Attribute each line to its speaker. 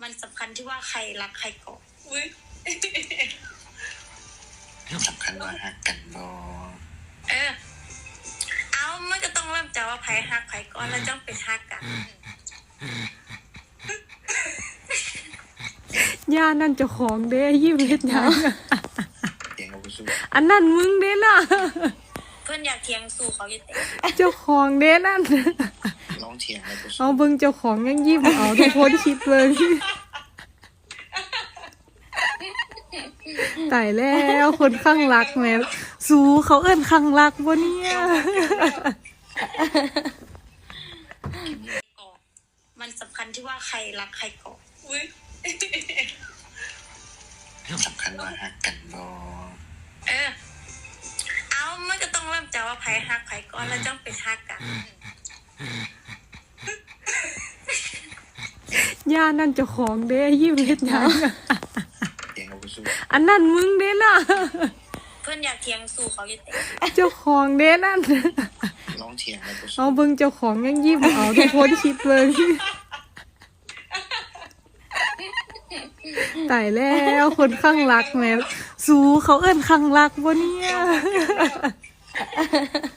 Speaker 1: มันสำคัญที่ว่าใครรักใครก่อน
Speaker 2: สำคัญว่าฮักกันบ่
Speaker 1: เอามันก็ต้องเริ่มจากว่าใครฮักใครก่อนแล้วจ้องเป็นฮักกัน
Speaker 3: ย่านั่นเจ้าของเด้ยิ้มเฮ็ดหยัง
Speaker 2: เถียงกับผู้สู้
Speaker 3: อันนั้นมึงเด้น่ะ
Speaker 1: เพื่อนอยากเถียงสู่เขาอยู่แต่
Speaker 3: เจ้าของเด้นั่น
Speaker 2: น้องเถียงกับผู้สู้
Speaker 3: เอาเบิ่งเจ้าของยังยิ้มเอาทุกคนคิดเบิ่งตายแล้วคนข้างรักแม่สู้เขาเอิ้นข้างรักบ่เนี่ย
Speaker 1: มันสำคัญที่ว่าใครรักใครก่อน
Speaker 2: สำคัญว่าฮักกันบ่
Speaker 1: เอามันก็ต้องเริ่มจากว่าใครฮักใครก่อนแล้วจ้องเป็นฮักกัน
Speaker 3: ย่านั่นเจ้าของเด้ยิ้มเฮ็ดหยัง
Speaker 2: เถียงกับผู้สู้
Speaker 3: อันนั้นมึงเด้น่ะ
Speaker 1: เพื่อนอยากเถียงสู่เขาอยู่แต่
Speaker 3: เจ้าของเด้นั่น
Speaker 2: น้องเถียงกับผู้สู้
Speaker 3: เอาเบิ่งเจ้าของยังยิ้มเอาทุกคนคิดเบิ่งตายแล้วคนข้างรักแม่สู้เขาเอิ้นข้างรักบ่เนี่ย